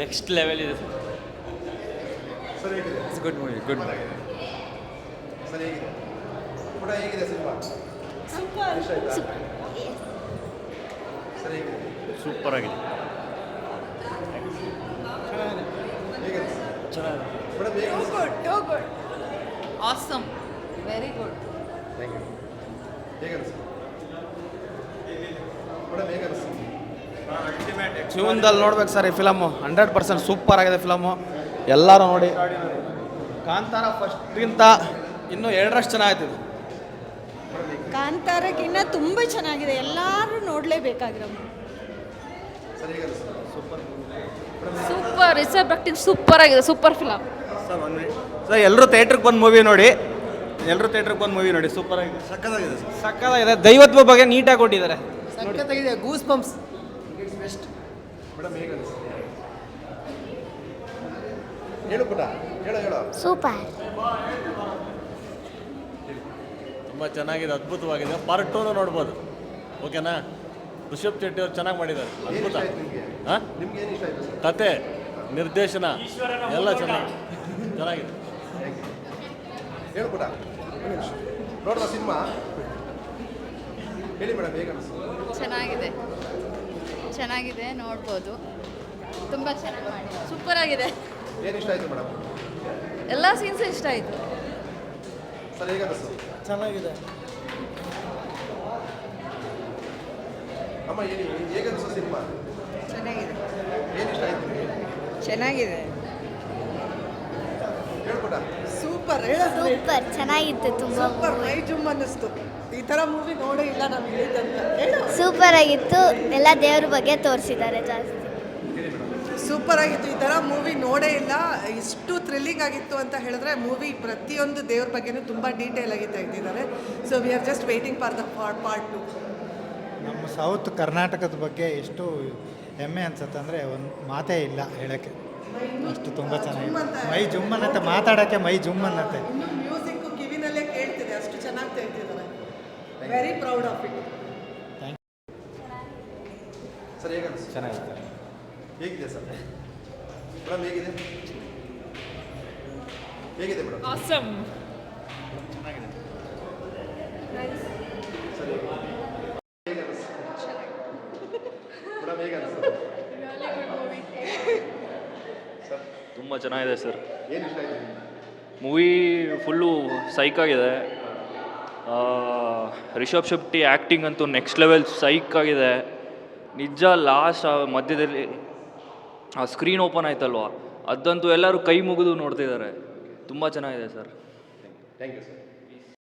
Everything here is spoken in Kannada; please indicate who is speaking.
Speaker 1: ನೆಕ್ಸ್ಟ್ ಲೆವೆಲ್ ಇದೆ
Speaker 2: ಸರ್ ಹೇಗಿದೆ?
Speaker 3: It's good movie, good movie.
Speaker 2: Sir ಹೇಗಿದೆ? ಕೂಡ ಹೇಗಿದೆ ಸಿನಿಮಾ?
Speaker 4: ಸೂಪರ್
Speaker 2: ಇಷ್ಟ ಆಯ್ತಾ? ಸರ್ ಹೇಗಿದೆ?
Speaker 1: ಸೂಪರ್ ಆಗಿದೆ.
Speaker 2: ಹೇಗಿದೆ?
Speaker 1: ಚೆನ್ನಾಗಿದೆ.
Speaker 2: ಮೇಡಮ್ ಹೇಗೆ ಅನಿಸ್ತು?
Speaker 4: Too good
Speaker 5: awesome, very good.
Speaker 2: Thank you. ಹೇಗೆ ಅನಿಸ್ತು? ಮೇಡಮ್ ಹೇಗೆ ಅನಿಸ್ತು?
Speaker 6: ಜೀವನದಲ್ಲಿ ನೋಡ್ಬೇಕು ಸರ್ ಈ ಫಿಲಮು. 100% ಸೂಪರ್ ಆಗಿದೆ ಫಿಲಮು. ಎಲ್ಲರೂ ನೋಡಿ. ಕಾಂತಾರ ಫಸ್ಟ್ಗಿಂತ ಇನ್ನೂ 2ರಷ್ಟು ಚೆನ್ನಾಗಿತ್ತು.
Speaker 4: ಕಾಂತಾರಕ್ಕಿನ್ನ ತುಂಬ ಚೆನ್ನಾಗಿದೆ, ಎಲ್ಲರೂ ನೋಡಲೇಬೇಕಾಗಿರೋ
Speaker 2: ಸರ್ ಹೇಗೆ ಅನಿಸ್ತು?
Speaker 5: ಸೂಪರ್ ರಿಸರ್ವ್ ಆಕ್ಟಿಂಗ್ ಸೂಪರ್ ಆಗಿದೆ, ಸೂಪರ್ ಫಿಲಮ್.
Speaker 6: ಸರ್ ಎಲ್ಲರೂ ಥಿಯೇಟ್ರಿಗೆ ಬಂದು ಮೂವಿ ನೋಡಿ, ಸೂಪರ್ ಆಗಿದೆ,
Speaker 2: ಸಕ್ಕತ್ತಾಗಿದೆ ಸರ್.
Speaker 6: ಸಕ್ಕತ್ತಾಗಿದೆ. ದೈವತ್ವ ಬಗ್ಗೆ ನೀಟಾಗಿ ಕೊಟ್ಟಿದ್ದಾರೆ.
Speaker 7: ಸಖತ್ತಾಗಿದೆ, ಗೂಸ್ ಬಂಪ್ಸ್.
Speaker 2: ಮೇಡಮ್ ಹೇಗೆ ಅನಿಸ್ತು? ಹೇಳು ಪುಟ, ಹೇಳು.
Speaker 8: ಸೂಪರ್.
Speaker 1: ತುಂಬ ಚೆನ್ನಾಗಿದೆ, ಅದ್ಭುತವಾಗಿದೆ. ಪಾರ್ಟ್ 2 ನೋಡ್ಬೋದು. ಓಕೆನಾ? ರಿಷಬ್ ಶೆಟ್ಟಿ ಅವ್ರು ಚೆನ್ನಾಗಿ ಮಾಡಿದ್ದಾರೆ.
Speaker 2: ಏನು
Speaker 1: ಅದ್ಭುತ.
Speaker 2: ಇಷ್ಟ ಆಯ್ತು ನಿಮಗೆ?
Speaker 1: ಹಾಂ,
Speaker 2: ನಿಮ್ಗೆ ಏನು ಇಷ್ಟ ಆಯ್ತು ಸರ್?
Speaker 1: ಕತೆ, ನಿರ್ದೇಶನ ಎಲ್ಲ ಚೆನ್ನಾಗಿದೆ.
Speaker 2: ಹೇಳು ಪುಟ. ನೋಡುವ ಸಿನಿಮಾ ಹೇಳಿ ಮೇಡಮ್ ಹೇಗೆ ಅನಿಸ್ತು?
Speaker 5: ಚೆನ್ನಾಗಿದೆ, ನೋಡ್ಬೋದು. ತುಂಬ ಚೆನ್ನಾಗಿ ಮಾಡಿ, ಸೂಪರ್ ಆಗಿದೆ.
Speaker 2: ಏನು ಇಷ್ಟ ಆಯಿತು ಮೇಡಮ್?
Speaker 5: ಎಲ್ಲ ಸೀನ್ಸ್ ಇಷ್ಟ ಆಯಿತು.
Speaker 2: ಸರ್ ಹೇಗೆ ಅನಿಸ್ತು?
Speaker 6: ಚೆನ್ನಾಗಿದೆ.
Speaker 2: ಅಮ್ಮ ಹೇಗೆ ಅನಿಸ್ತು ಸಿನಿಮಾ?
Speaker 7: ಚೆನ್ನಾಗಿದೆ,
Speaker 2: ಏನು ಇಷ್ಟ ಆಯಿತು ನಿಮಗೆ?
Speaker 7: ಚೆನ್ನಾಗಿದೆ.
Speaker 2: ಹೇಳ್ಬಿಟ್ಟ.
Speaker 7: ಸೂಪರ್,
Speaker 8: ಸೂಪರ್ ಚೆನ್ನಾಗಿತ್ತು ತುಂಬ.
Speaker 7: ಸೂಪರ್, ಮೈ ಜುಮ್ ಅನ್ನಿಸ್ತು. ಈ ಥರ ಮೂವಿ ನೋಡೇ ಇಲ್ಲ ನಾವು ಹೇಳಿದಂತ.
Speaker 8: ಸೂಪರ್ ಆಗಿತ್ತು. ಎಲ್ಲ ದೇವ್ರ ಬಗ್ಗೆ ತೋರಿಸಿದ್ದಾರೆ ಜಾಸ್ತಿ.
Speaker 7: ಸೂಪರ್ ಆಗಿತ್ತು, ಈ ಥರ ಮೂವಿ ನೋಡೇ ಇಲ್ಲ. ಇಷ್ಟು ಥ್ರಿಲ್ಲಿಂಗ್ ಆಗಿತ್ತು ಅಂತ ಹೇಳಿದ್ರೆ ಮೂವಿ ಪ್ರತಿಯೊಂದು ದೇವ್ರ ಬಗ್ಗೆನೂ ತುಂಬ ಡೀಟೇಲ್ ಆಗಿ ತೆಗೆದಿದ್ದಾರೆ. So we are just waiting for the part 2.
Speaker 9: ನಮ್ಮ ಸೌತ್ ಕರ್ನಾಟಕದ ಬಗ್ಗೆ ಎಷ್ಟು ಹೆಮ್ಮೆ ಅನ್ಸುತ್ತೆ ಅಂದರೆ ಒಂದು ಮಾತೇ ಇಲ್ಲ ಹೇಳೋಕ್ಕೆ. ಅಷ್ಟು ತುಂಬ ಚೆನ್ನಾಗಿದೆ. ಮೈ ಜುಮ್ ಅನ್ನತ್ತೆ, ಮಾತಾಡೋಕ್ಕೆ ಮೈ ಜುಮ್ ಅನ್ನತ್ತೆ.
Speaker 7: ಇನ್ನು ಮ್ಯೂಸಿಕ್ಕು ಕಿವಿನಲ್ಲೇ ಕೇಳ್ತಿದೆ, ಅಷ್ಟು ಚೆನ್ನಾಗಿ ತೆಗೆದಿದ್ದಾರೆ. Very proud of it.
Speaker 2: Sir ಹೇಗೆ ಅನಿಸ್ತು?
Speaker 6: ಚೆನ್ನಾಗಿದೆ.
Speaker 2: ಹೇಗಿದೆ ಸರ್? ಮೇಡಮ್ ಹೇಗಿದೆ? ಹೇಗಿದೆ ಮೇಡಮ್?
Speaker 5: ಆಸಮ್.
Speaker 2: ಸರಿ ಹೇಗೆ ಅನಿಸ್ತು? ಮೇಡಮ್ ಹೇಗೆ ಅನಿಸ್ತು? ಸರ್
Speaker 1: ತುಂಬ ಚೆನ್ನಾಗಿದೆ ಸರ್.
Speaker 2: ಏನು ಇಷ್ಟ ಆಯಿತು ನಿಮಗೆ?
Speaker 1: ಮೂವಿ ಫುಲ್ಲು ಸೈಕ್ ಆಗಿದೆ. ರಿಷಬ್ ಶೆಟ್ಟಿ ಆ್ಯಕ್ಟಿಂಗ್ ಅಂತೂ ನೆಕ್ಸ್ಟ್ ಲೆವೆಲ್ ಸೈಕ್ ಆಗಿದೆ. ನಿಜ ಲಾಸ್ಟ್ ಮಧ್ಯದಲ್ಲಿ ಆ ಸ್ಕ್ರೀನ್ ಓಪನ್ ಆಯ್ತಲ್ವ, ಅದಂತೂ ಎಲ್ಲರೂ ಕೈ ಮುಗಿದು ನೋಡ್ತಿದ್ದಾರೆ. ತುಂಬ ಚೆನ್ನಾಗಿದೆ ಸರ್.
Speaker 2: Thank you sir.